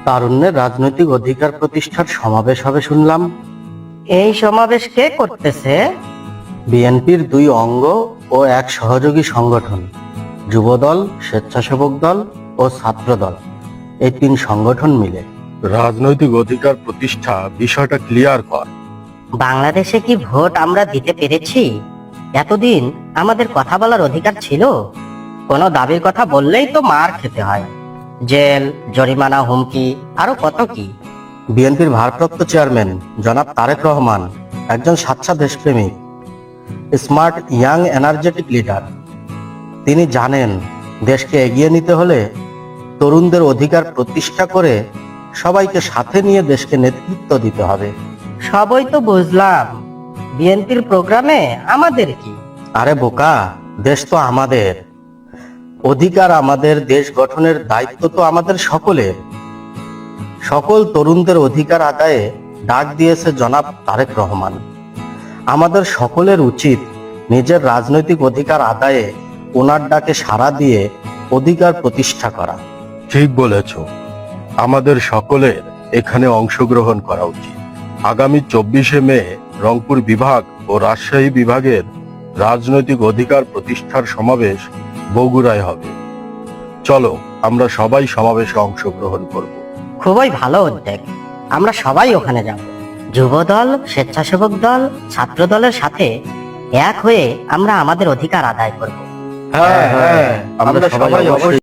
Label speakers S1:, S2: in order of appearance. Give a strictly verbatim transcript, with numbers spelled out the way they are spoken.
S1: তারুণ্যের রাজনৈতিক অধিকার প্রতিষ্ঠার সমাবেশ হবে শুনলাম।
S2: এই সমাবেশ কে করতেছে?
S1: বিএনপির দুই অঙ্গ ও এক সহযোগী সংগঠন, যুবদল, স্বেচ্ছাসেবক দল ও ছাত্র দল, এই তিন সংগঠন মিলে।
S3: রাজনৈতিক অধিকার প্রতিষ্ঠা বিষয়টা ক্লিয়ার কর।
S2: বাংলাদেশে কি ভোট আমরা দিতে পেরেছি? এতদিন আমাদের কথা বলার অধিকার ছিল? কোনো দাবির কথা বললেই তো মার খেতে হয়, জেল, জরিমানা, হুমকি, আরো কত কি।
S1: বিএনপির ভারপ্রাপ্ত চেয়ারম্যান জনাব তারেক রহমান একজন স্বাচ্ছা দেশপ্রেমিক, স্মার্ট, ইয়াং, এনার্জেটিক লিডার। তিনি জানেন দেশকে এগিয়ে নিতে হলে তরুণদের অধিকার প্রতিষ্ঠা করে সবাইকে সাথে নিয়ে দেশকে নেতৃত্ব দিতে হবে।
S2: সবই তো বুঝলাম, বিএনপির প্রোগ্রামে আমাদের কি?
S1: আরে বোকা, দেশ তো আমাদের, অধিকার আমাদের, দেশ গঠনের দায়িত্ব তো আমাদের সকলের। সকল তরুণদের অধিকার আদায়ে ডাক দিয়েছে জনাব তারেক রহমান। আমাদের সকলের উচিত নিজের রাজনৈতিক অধিকার আদায়ে ওনার ডাকে সাড়া দিয়ে অধিকার প্রতিষ্ঠা করা।
S3: ঠিক বলেছ, আমাদের সকলের এখানে অংশগ্রহণ করা উচিত। আগামী চব্বিশে মে রংপুর বিভাগ ও রাজশাহী বিভাগের রাজনৈতিক অধিকার প্রতিষ্ঠার সমাবেশ বগুড়ায় হবে। চলো আমরা সবাই সমাবেশে অংশগ্রহণ করব।
S2: খুবই ভালো উদ্যোগ, আমরা সবাই ওখানে যাব। যুবদল, স্বেচ্ছাসেবক দল, ছাত্র দলের সাথে এক হয়ে আমরা আমাদের অধিকার আদায় করব।
S1: হ্যাঁ হ্যাঁ, আমরা সবাই অবশ্যই